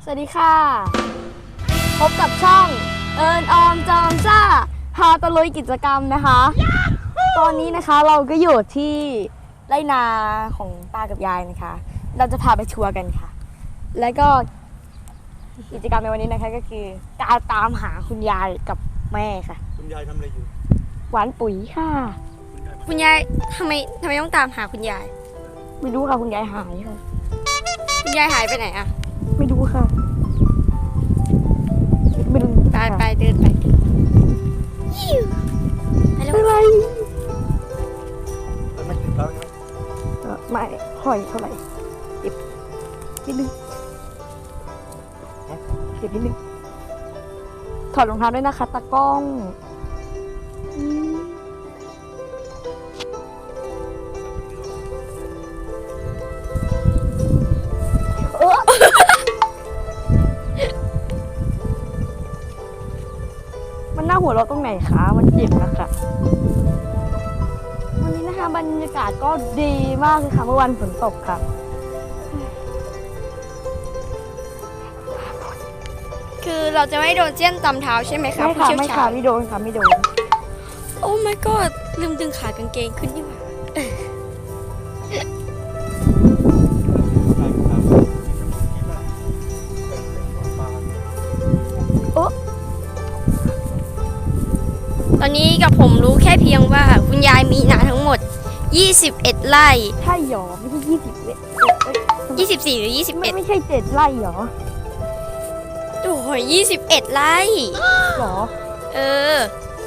สวัสดีค่ะพบกับช่องเอิญออมจอมซ่าพาตะลุยกิจกรรมนะคะ ตอนนี้นะคะเราก็อยู่ที่ไร่นาของตากับยายนะคะ เราจะพาไปทัวร์กันค่ะ แล้วก็กิจกรรมในวันนี้นะคะก็คือการตามหาคุณยายกับแม่ค่ะคุณยายทำอะไรอยู่หวานปุ๋ยค่ะคุณยายทำไมต้องตามหาคุณยายไม่รู้ค่ะคุณยายหายค่ะคุณยายหายไปไหนอะไม่รู้ค่ะไม่รู้ไปเดินไปยิวไปแล้วอะไรแล้วไม่ถึงแล้วใช่ไหมไม่ค่อยเท่าไหร่เก็บนิดนึงเก็บนิดนึงถอดรองเท้าด้วยนะคะตากล้องเออมันน่าหัวเราะตรงไหนคะมันเจ็บนะคะวันนี้นะคะบรรยากาศก็ดีมากเลยค่ะเมื่อวันฝนตกค่ะคือเราจะไม่โดนเจี้ยนตำเท้าใช่ไหมคะไม่ผู้ค่ะเชี่ยวไม่ชาค่ะญไม่โดนค่ะไม่โดนโอ้ my god ลืมดึงขากางเกงขึ้นดีกว่าโอ้ตอนนี้กับผมรู้แค่เพียงว่าคุณยายมีนาทั้งหมด 21 ไร่ใช่หรอไม่ใช่20เว้ย 24 หรือไม่ใช่7ไร่หรอ 21 โอ้โห21 ไร่หรอเออ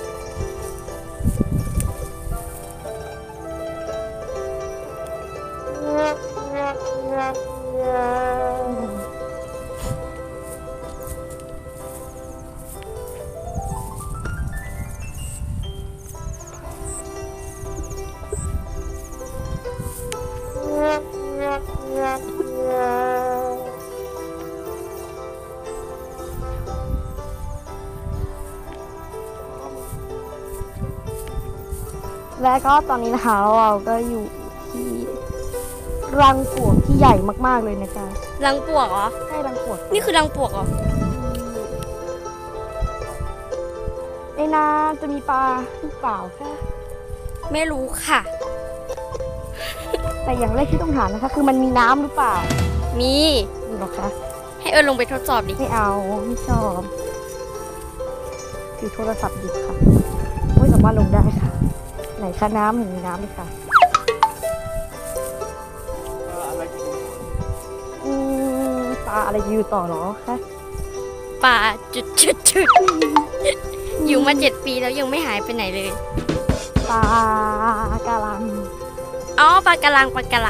และก็ตอนนี้นะคะเราก็อยู่ที่รังปลวกที่ใหญ่มากๆเลยนะจ๊ะรังปวกเหรอใช่รังปลวกนี่คือรังปวกเหรอในนาจะมีปลาหรือเปล่าคะไม่รู้ค่ะแต่อย่างแรกที่ต้องถามนะคะ คือมันมีน้ำหรือเปล่ามีมีหรอคะให้เอิญลงไปทดสอบดิไม่เอาไม่ชอบถือโทรศัพท์อยู่ค่ะไม่สามารถลงได้ค่ะ ไหนคะน้ำเห็นมีน้ำเลยค่ะอะไรกินปลาอะไรอยู่ต่อหรอคะป่าจุดอยู่มา7 ปีแล้วยังไม่หายไปไหนเลยปลากาลังอ๋อปลากระลัง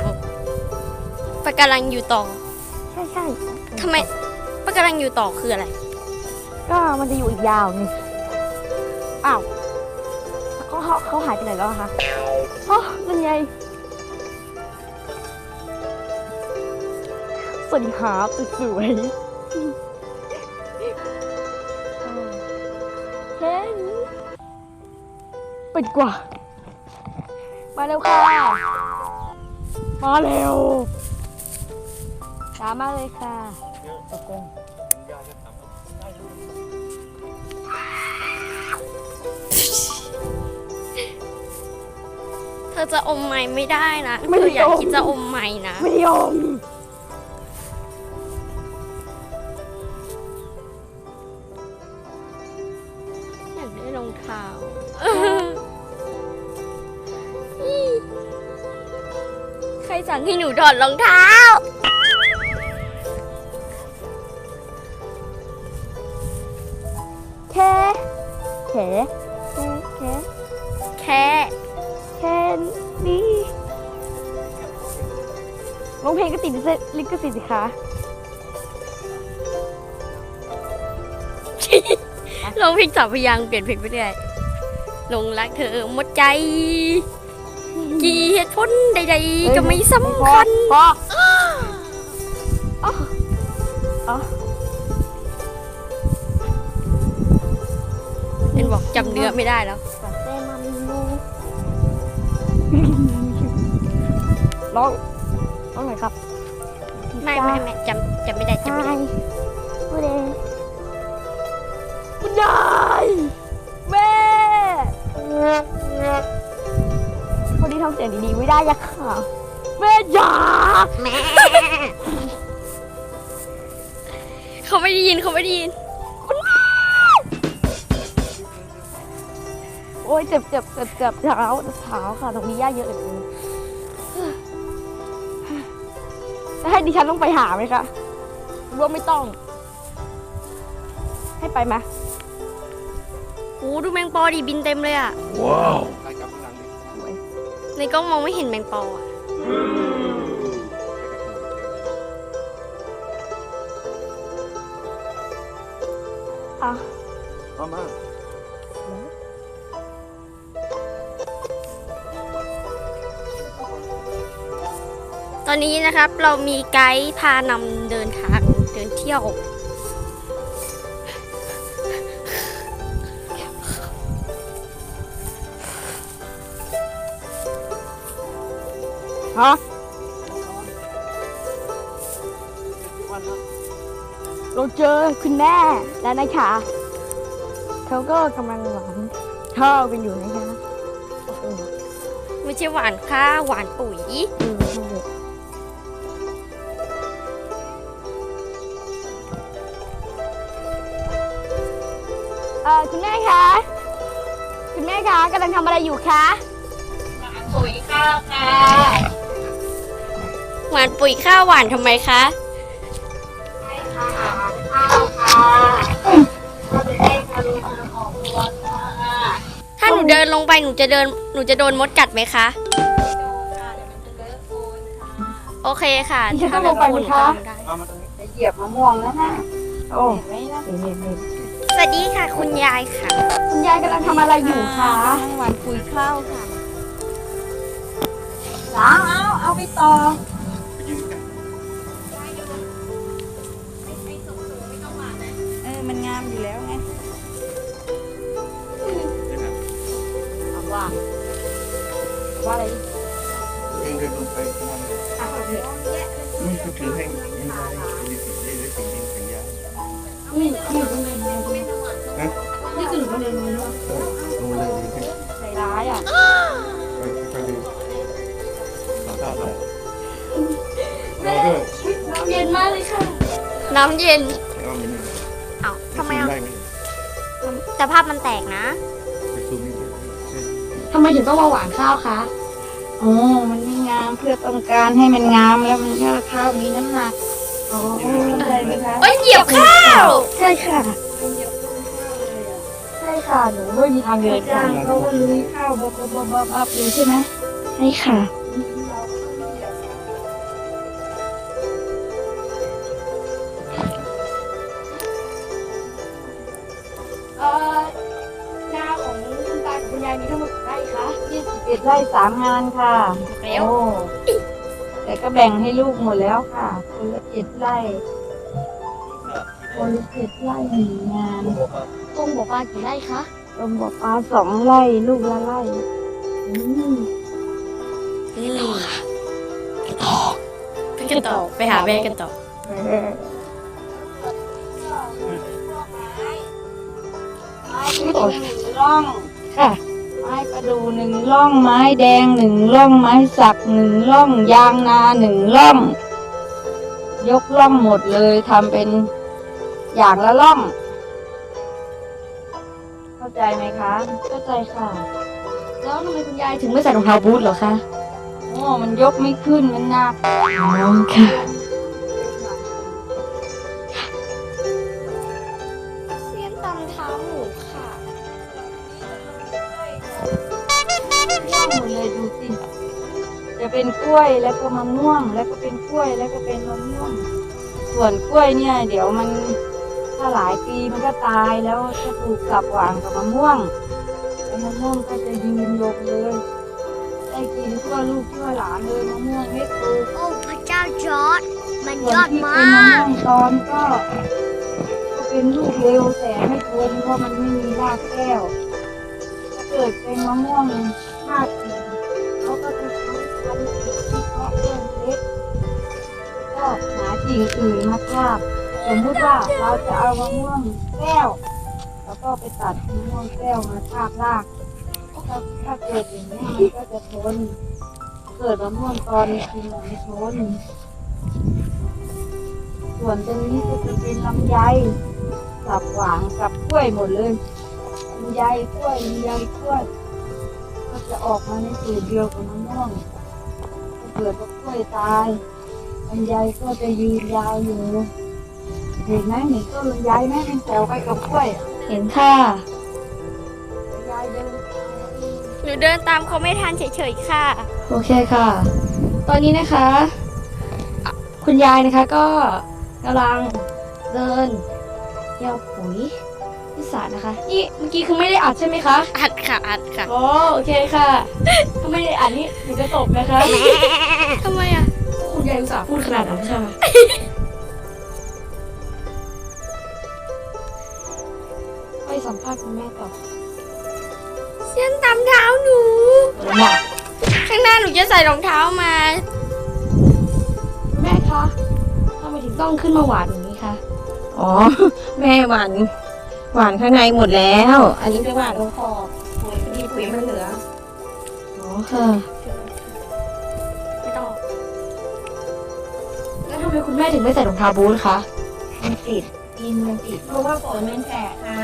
อยู่ต่อใช่ใช่ทำไมปลากระลังอยู่ต่อคืออะไรก็มันจะอยู่อีกยาวนี่อ้าวเขาหายไปไหนแล้วอะคะอ๋อนั่นไงสวัสดีครับสวยๆเฮ้ยไปดีกว่ามาเร็วค่ะมาเร็วช้ามากเลยค่ะตกลงคุณยายจะทำได้เลยเธอจะอมไม้ไม่ได้นะเธออยากคิดจะอมไม้นะไม่ยอมอยากได้รองเท้าใครสั่งให้หนูถอดรองเท้าแค่แค่แค่แค่นี้ร้องเพลงก็ติดลิขสิทธิ์สิคะลองเพลงสาวพยางค์เปลี่ยนเพลงไปเรื่อยหลงรักเธอหมดใจ กี่เหตุผลใดๆก็ไม่สำคัญพออ๋ออ๋อเอ็นบอกจำเนื้อไม่ได้แล้วแต่มันรู้ร้องหน่อยครับไม่จำไม่ได้ใช่พูดเองคุณยายแม่คนนี้ทำเสียงดีๆไม่ได้ยักค่ะแม่จ๋าแม่ เขาไม่ได้ยินเขาไม่ได้ยินโอ้ยเจ็บเท้าค่ะตรงนี้ย่าเยอะเหลือเกินจะให้ดิฉันต้องไปหาไหมคะหรือว่าไม่ต้อง ให้ไปไหมโอ้ดูแมงปอดิบินเต็มเลยอะไปกลับข้างหลังดิในกล้องมองไม่เห็นแมงปออะอ่ะมาตอนนี้นะครับเรามีไกด์พานำเดินทางเดินเที่ยวฮะวันละเราเจอคุณแม่แล้วนะคะเขาก็กำลังหวานข้าวกันอยู่นะคะเออไม่ใช่หวานข้าวหวานปุ๋ยใช่เลยคุณแม่คะคุณแม่คะกำลังทำอะไรอยู่คะปุ๋ยข้าวค่ะหวานปุ๋ยข้าวหวานทำไมคะถ้าหนูเดินลงไปหนูจะโดนมดกัดไหมคะโอเคค่ะดิฉันต้องลงไปไหมคะเอามาตรงนี้จะเหยียบมะม่วงแล้วนะโอ้เห็นไหมนะสวัสดีค่ะคุณยายค่ะคุณยายกำลังทำอะไรอยู่คะหวานปุ๋ยข้าวค่ะล้างเอาไปต่อไปยืนกันมันงามอยู่แล้วไงได้ไหมเอาว่าอะไรเดินลงไปข้างล่างนี่ก็ถือให้ยิงได้มีสิ่งได้สิ่งยิงสัญญานี่อยู่ตรงไหนฮะนี่คือหนูมาเรียนรู้ลงเลยยิงให้ใจร้ายอ่ะไปดูขอทราบเลยเราด้วยน้ำเย็นมากเลยค่ะน้ำเย็นเอาไม่นี่เอ้าทำไมซูอ่ะได้ไหมแต่ภาพมันแตกนะไปซูมนี่ด้วยทำไมถึงต้องมาหวานข้าวคะโอ้มันไม่งามเพื่อต้องการให้มันงามแล้วมันก็ข้าวมีน้ำหนักโอ้เข้าใจไหมคะเอ้ยเหยียบข้าวใช่ค่ะใช่ค่ะหนูไม่มีทางเดินจ้าค่ะงเขาก็ลุยข้าวบับอยู่ใช่ไหมใช่ค่ะนาของคุณตากับคุณยายมีทั้งหมดกี่ไร่คะ 21 ไร่ 3 งานค่ะแล้วโอ้แต่ก็แบ่งให้ลูกหมดแล้วค่ะ คนละ7 ไร่ คนละ7 ไร่1 งานตรงบอกปลากี่ไร่คะรวมบอกปลา2 ไร่ ลูกละไร่นี่ไปกันต่อไปหาแม่กันต่อไม้ที่1 ร่องค่ะไม้ประดู1 ร่อง ไม้แดง1 ร่อง ไม้สัก1 ร่อง ยางนา1 ร่อง ยกร่องหมดเลยทำเป็นอย่างละร่อง เข้าใจไหมคะเข้าใจค่ะ แล้วทำไมคุณยายถึงไม่ใส่รองเท้าบูทเหรอคะโอ้มันยกไม่ขึ้นมันหนักค่ะเสียนตำเท้าหมูค่ะม่วงหมดเลยดูสิ จะเป็นกล้วยแล้วก็มะม่วง แล้วก็เป็นกล้วยแล้วก็เป็นมะม่วง ส่วนกล้วยเนี่ย เดี๋ยวมันถ้าหลายปีมันก็ตายแล้วจะปลูกกลับหว่างกับมะม่วงแล้วมะม่วงก็จะยืนยกเลย ได้กินทั่วลูกทั่วหลานเลยมะม่วงเม็ดโตโอ้พระเจ้าจอร์ดมันส่วนที่เป็นมะม่วงตอนก็เป็นลูกเร็วแต่ไม่ทนเพราะมันไม่มีรากแก้ว ถ้าเกิดเป็นมะม่วงรากสีเขาก็จะใช้พันธุ์ที่เพาะต้นเล็กก็หาสิ่งอื่นมาทาบสมมุติว่าเราจะเอามะม่วงแก้ว แล้วก็ไปตัดมะม่วงแก้วมาทาบรากถ้าเกิดอย่างนี้มันก็จะทนเกิดมะม่วงตอนกินมันไม่ทนส่วนตรงนี้ก็จะเป็นลำไยกับหวานกับกล้วยหมดเลยลำไยกล้วยลำไยกล้วยก็จะออกมาในสูตรเดียวกับมะม่วงถ้าเกิดว่ากล้วยตายลำไยก็จะยืนยาวอยู่เห็นไหมเห็นต้นลำไยไหมเป็นแถวไปกับกล้วยเห็นค่ะยายเดินหนูเดินตามเขาไม่ทันเฉยๆค่ะโอเคค่ะ ตอนนี้นะคะคุณยายนะคะก็กำลังเดินเดี่ยวปุ๋ยที่สระนะคะ นี่เมื่อกี้คือไม่ได้อัดใช่ไหมคะอัดค่ะอัดค่ะอ๋อโอเคค่ะถ้าไม่ได้อัดนี่หนูจะตบนะคะทำไมอ่ะคุณยายอุตส่าห์พูดขนาดนั้นค่ะไปสัมภาษณ์คุณแม่ต่อเส้นตำเท้าหนู ข้างหน้าหนูจะใส่รองเท้ามาแม่คะทำไมถึงต้องขึ้นมาหวานอย่างนี้คะอ๋อ แม่หวานข้างในหมดแล้ว อันนี้ไปหวานตรงขอบปุ๋ยพอดีปุ๋ยมันเหลืออ๋อค่ะไม่ต้องแล้วทำไมคุณแม่ถึงไม่ใส่รองเท้าบูทคะมันติดกินมันติดเพราะว่าฝนมันแฉะค่ะ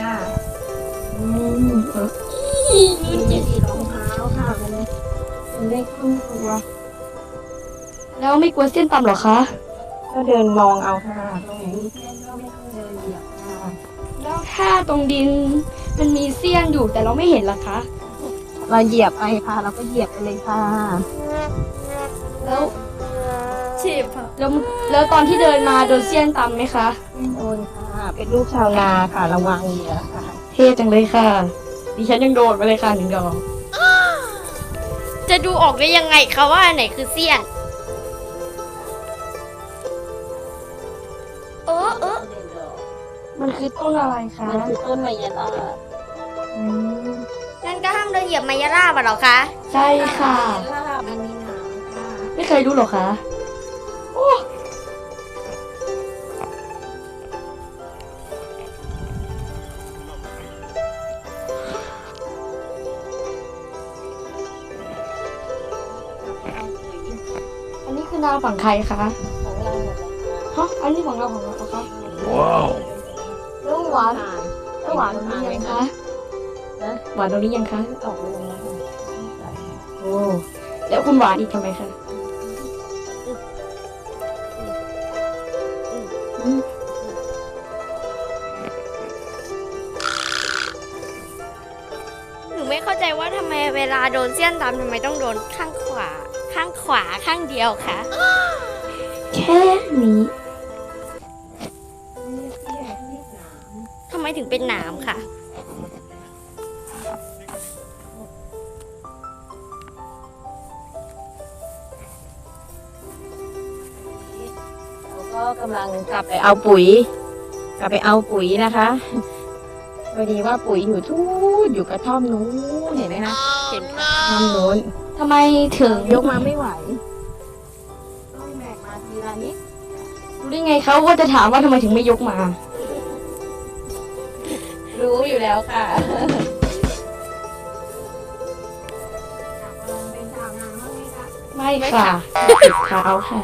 มันจะติดรองเท้าค่ะมันได้ครึ่งตัวแล้วไม่กลัวเส้นต่ำเหรอคะก็เดินมองเอาค่ะตรงไหนมีเส้นก็ไม่ต้องเดินเหยียบค่ะแล้วถ้าตรงดินมันมีเสี้ยนอยู่แต่เราไม่เห็นล่ะคะเราเหยียบไปค่ะ เราก็เหยียบไปเลยค่ะแล้วฉีบค่ะแล้วตอนที่เดินมาโดนเสี้ยนตำไหมคะไม่โดนค่ะ เป็นลูกชาวนาค่ะ ระวังเหยียบค่ะเท่จังเลยค่ะ ดิฉันยังโดนมาเลยค่ะ1 ดอกจะดูออกได้ยังไงคะว่าอันไหนคือเสี้ยนเออมันคือต้นอะไรคะมันคือต้นไมยาลาอืมนั่นก็ห้ามเดินเหยียบไมยาล่าบะเหรอคะใช่ค่ะลาบมันมีหนามค่ะไม่เคยรู้หรอคะโอ้อันนี้คือนาฝั่งใครคะของเราหมดเลยค่ะฮะอันนี้ของเราเหรอคะว้าวแล้วหวานแล้วหวานตรงนี้ยังคะหวานตรงนี้ยังคะออกลงแล้วค่ะโอ้แล้วคุณหวานอีกทำไมคะหนูไม่เข้าใจว่าทำไมเวลาโดนเสี้ยนตำทำไมต้องโดนข้างขวาข้างเดียวคะแค่นี้ทำไมถึงเป็นหนามค่ะเราก็กำลังกลับไปเอาปุ๋ย กลับไปเอาปุ๋ยนะคะพอดีว่าปุ๋ยอยู่ทูดอยู่กระท่อมนู้นเห็นไหมคะเห็นค่ะกระท่อมนู้นทำไมถึงยกมาไม่ไหวต้องแบกมาทีละนิดรู้ได้ไงเขาว่าจะถามว่าทำไมถึงไม่ยกมารู้อยู่แล้วค่ะเป็นชาวนาบ้างไหมคะไม่ค่ะติดเท้าค่ะ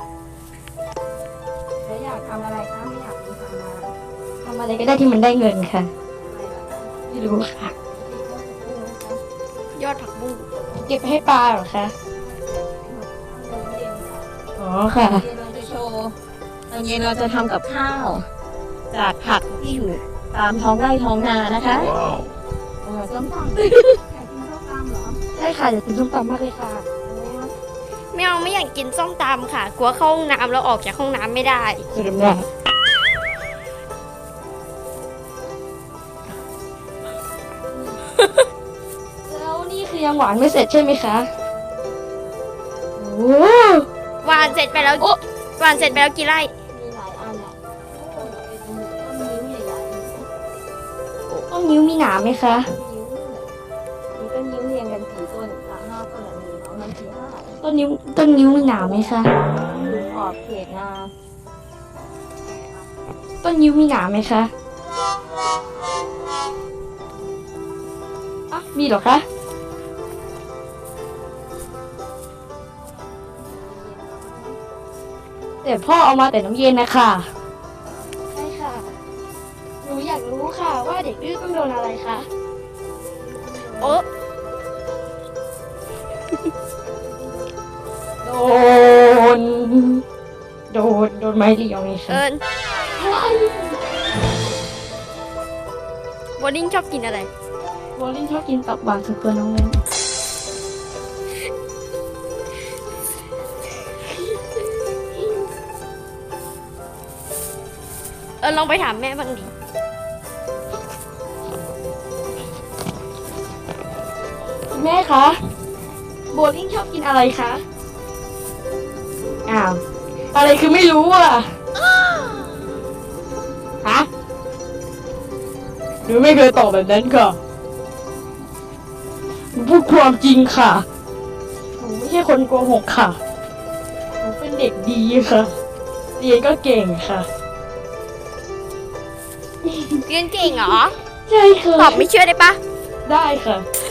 แล้วอยากทำอะไรคะไม่อยากเป็นชาวนาทำอะไรก็ได้ที่มันได้เงินค่ะ ไม่รู้ค่ะยอดผักบุ้งเก็บไปให้ปลาเหรอคะ อ๋อค่ะเย็นเราจะโชว์ตอนเย็นเราจะทำกับข้าว จากผักที่อยู่ตามท้องไร่ท้องนานะคะว้าวส้มตอยากกินข้าวตำเหรอใช่ค่ะอยากกินส้มตำมากเลยค่ะไม่อยากกินส้มตำค่ะ กลัวเข้าห้องน้ำแล้วออกจากห้องน้ำไม่ได้สุดยอดแล้วนี่คือยังหวานไม่เสร็จใช่ไหมคะ โอ้หวานเสร็จไปแล้วหวานเสร็จไปแล้วกี่ไร่มีหลายอันแหละเป็นต้นนิ้วใหญ่ต้นนิ้วมีหนามไหมคะๆนิ้วมีต้นนิ้วเรียงกัน4 ต้น5 ต้นมีเนาะมัน4 5 ต้นนิ้วมีหนามไหมคะดูขอบเขตนาต้นยิ้วมีหนามไหมคะอ่ะมีเหรอคะ แต่พ่อเอามาแต่น้ำเย็นนะคะใช่ค่ะ หนูอยากรู้ค่ะว่าเด็กดื้อต้องโดนอะไรคะโอ๊ะโดน โดนไม้เรียวนี่ค่ะเอิญโบลิ่งชอบกินอะไรโบลิ่งชอบกินตับหวานสุดตัวน้องเล่นลองไปถามแม่บ้างดิแม่คะ โบลิ่งชอบกินอะไรคะ อ้าว อะไรคือไม่รู้อ่ะ ฮะหนูไม่เคยตอบแบบนั้นค่ะหนูพูดความจริงค่ะ หนูไม่ใช่คนโกหกค่ะ หนูเป็นเด็กดีค่ะ เรียนก็เก่งค่ะเรียนเก่งเหรอใช่ค่ะตอบไม่เชื่อได้ปะได้ค่ะ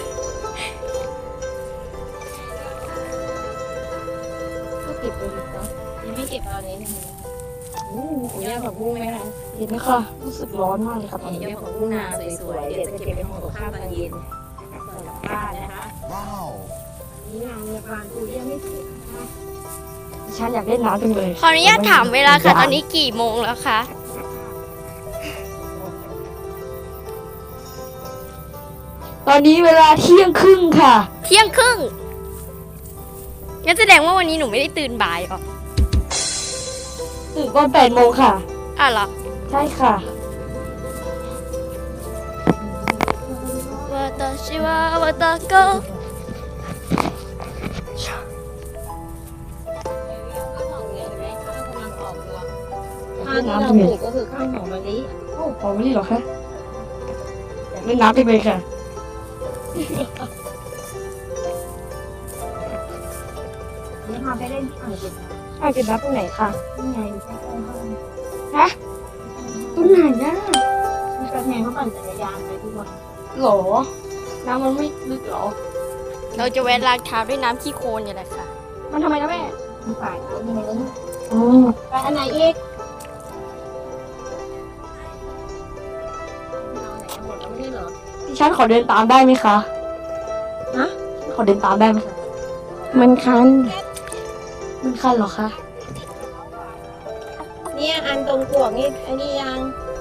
ก็เก็บไปดีกว่ายังไม่เก็บตอนนี้นะคะผมย่างผักบุ้งไหมคะเห็นไหมคะรู้สึกร้อนมากเลยค่ะตอนย่านี้งผักบุ้งนาสวยๆ เดี๋ยวจะเก็บไปห่อกับข้าวตอนเย็นส่วนกลับบ้านนะคะ นี่งานในบ้านกูยังไม่เสร็จนะคะฉันอยากเล่นน้ำจังเลยขออนุญาตถามเวลาค่ะ ตอนนี้กี่โมงแล้วคะตอนนี้เวลาเที่ยงครึ่งค่ะเที่ยงครึ่งงั้นแสดงว่าวันนี้หนูไม่ได้ตื่นบ่ายหรอตื่นตอน8 โมงค่ะอ่ะเหรอใช่ค่ะวาตาชิวาวาตาโกข้าวที่เราปลูกก็คือข้าวหอมมะลิโอ้ของนี่เหรอคะอยากเล่นน้ำจังเลยค่ะนี่พาไปเล่นที่อ่างเก็บอ่างเก็บน้ำตรงไหนคะนี่ไงใกล้ๆบ้านฮะตรงไหนนะมีกระแทงเขาปั่นจักรยานไปทุกวันหรอ น้ำมันไม่ลึกหรอเราจะแวะล้างเท้าด้วยน้ำขี้โคลนอย่างไรค่ะมันทำไมนะแม่มีฝ่ายเขายังไงแล้วอ๋อไปอันไหนอีกหมดแล้วไม่ใช่เหรอดิฉันขอเดินตามได้ไหมคะฮะขอเดินตามได้ไหมคะ มันคัน มันคันเหรอคะเนี่ยอันตรงกวกนี่อันนี้ยัง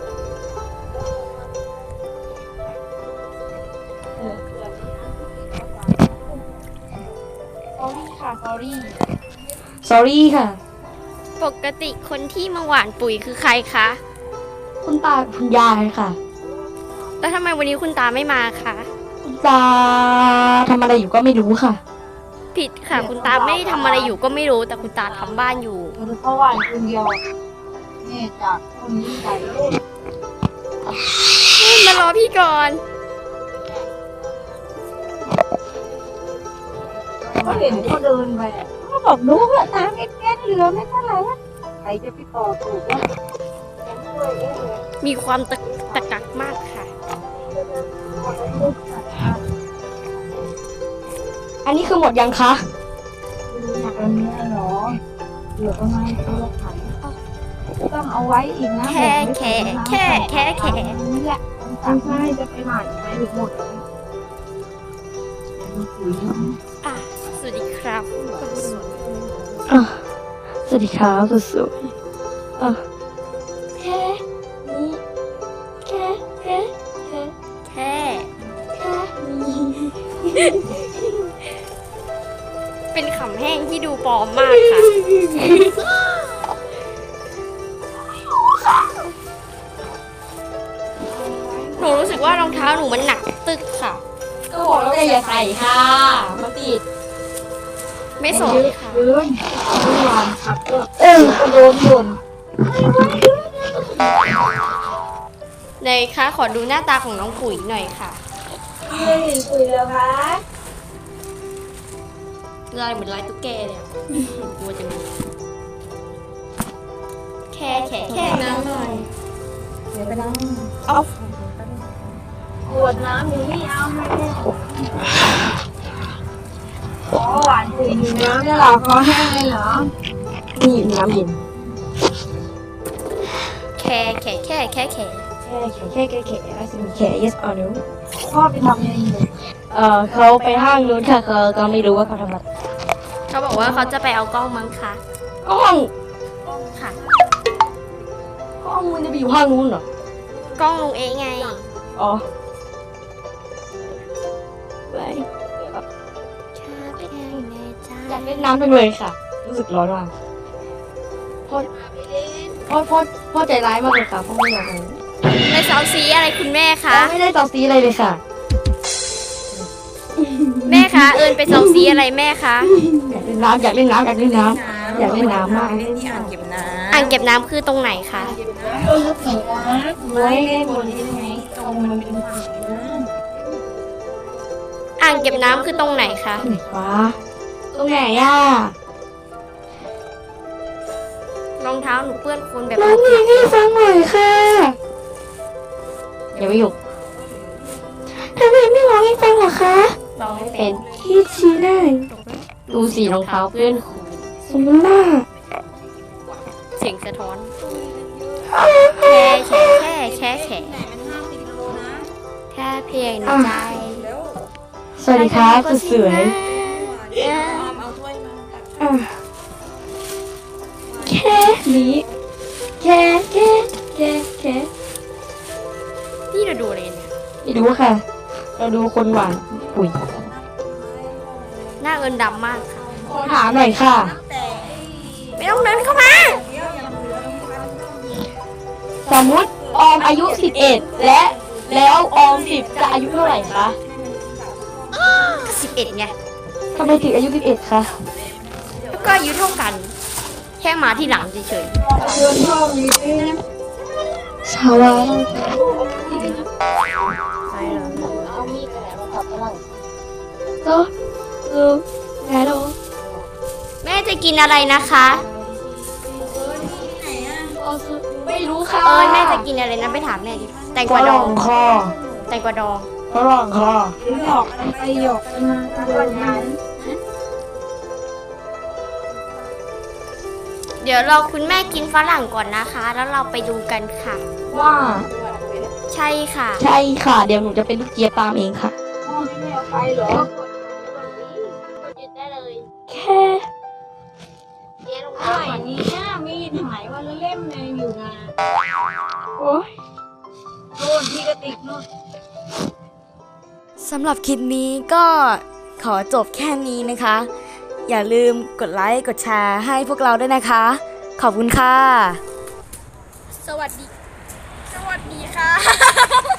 sorry ค่ะ sorry ค่ะปกติคนที่มาหว่านปุ๋ยคือใครคะคุณตาคุณยายค่ะแล้วทำไมวันนี้คุณตาไม่มาคะคุณตาทำอะไรอยู่ก็ไม่รู้ค่ะผิดค่ะ คุณตาไม่ได้ทำอะไรอยู่ก็ไม่รู้ แต่คุณตาทำบ้านอยู่เพราะว่าคนเดียวนี่จากคนนี้ใส่ลูกมารอพี่ก่อนก็เห็นเขาเดินไปเขาบอกดูว่าน้ำเอ็ดๆเหลือไม่เท่าไหร่อะใครจะไปต่อถูกว่ามีความตะกักมากค่ะอันนี้คือหมดยังคะตอนนี้เหรอเหลือประมาณตัวละขันต้องเอาไว้อีกนะแค่นี่แหละไม่ใช่จะไปหมายไปถึงหมดแล้วอ่ะ สวัสดีครับคนสวยสวัสดีครับสวยๆแค่นี้แค่แค่นี้เป็นขำแห้งที่ดูปลอมมากค่ะ หนูรู้สึกว่ารองเท้าหนูมันหนักตึกค่ะก็บอกแล้วไงอย่าใส่ค่ะมันติดไม่สนค่ะยืนเมื่อวานขับก็ก็โดนบ่นในคะขอดูหน้าตาของน้องปุ๋ยหน่อยค่ะไม่เห็นคุยแล้วคะลายเหมือนลายตุ๊กแกเลยอะกลัวจะมีแค่น้ำหน่อยก็ได้เอาขวดน้ำอยู่นี่เอาให้แม่อ๋อหวานถึงน้ำได้หรอคอแห้งเลยเหรอนี่น้ำเย็นแค่แค่แค่แล้วจะมีแค่ yes or no พ่อไปทำอะไรอยู่เขาไปห้างนู้นค่ะเขาก็ไม่รู้ว่าเขาทำอะไรเขาบอกว่าเขาจะไปเอากล้องมั้งค่ะกล้องค่ะกล้องมันจะไปอยู่ห้างนู้นเหรอกล้องลุงเองไงอ๋อไปอยากเล่นน้ำไปเลยค่ะ รู้สึกร้อนมากพ่อใจร้ายมากเลยค่ะพ่อไม่อยากเล่นไปเซาซีอะไรคุณแม่คะไม่ได้ต่อซีอะไรเลยค่ะแม่คะเอิญไปเซาซีอะไรแม่คะอยากเล่นน้ำอยากเล่นน้ำอยากเล่นน้ำอยากเล่นน้ำมากเล่นที่อ่างเก็บน้อ่างเก็บน้ำคือตรงไหนคะำไว้เล่นบนนี้ได้ไหมตรงมันเป็นฝานะอ่างเก็บน้ำคือตรงไหนคะว้าตรงไหนอ่ะรองเท้าหนูเปื้อนโคลนแบบร้องเพลงให้ฟังหน่อยค่ะอย่าไปหยุดทำไมไม่ร้องให้ฟังเหรอคะร้องไม่เป็เป็น นที่ชี้ได้ดูสีรองเท้าเพื่อนสมมากเสียงสะท้อนแค่แค่เพียงในใจสวัสดีครับสุดสวยอ่ะแค่นี้แค่นี่เราดูอะไรเนี่ยไม่รู้ค่ะ เราดูคนหวานปุ๋ยหน้าเอิญดำมากค่ะขอถามหน่อยค่ะไม่ต้องเดินเข้ามาสมมุติออมอายุ 11 แล้วออม 10 จะอายุเท่าไหร่คะ 11ไงทำไมถึงอายุ 11 คะก็อายุเท่ากัน แค่มาที่หลังเฉยเดินพ่อมีด้วยนะชาวาเอามีดไปไหนมาขับฝรั่งก็คือไงดูๆ แม่จะกินอะไรนะคะไม่รู้ค่ะเอิญแม่จะกินอะไรนะไปถามแม่ดิ แตงกวาดองคอแตงกวาดองฝรั่งคอหยอกไปหยอกมาวันนั้นเดี๋ยวเราคุณแม่กินฝรั่งก่อนนะคะ แล้วเราไปดูกันค่ะว่าใช่ค่ะใช่ค่ะ เดี๋ยวหนูจะเป็นลูกเจี๊ยบตามเองค่ะพ่อไม่เอาไปเหรอแค่หายนี้มีดหายวันละเล่มเลยอยู่นะโอ๊ยโน่นที่กระติกโน่นสำหรับคลิปนี้ก็ขอจบแค่นี้นะคะ อย่าลืมกดไลค์ กดแชร์ให้พวกเราด้วยนะคะ ขอบคุณค่ะสวัสดีค่ะ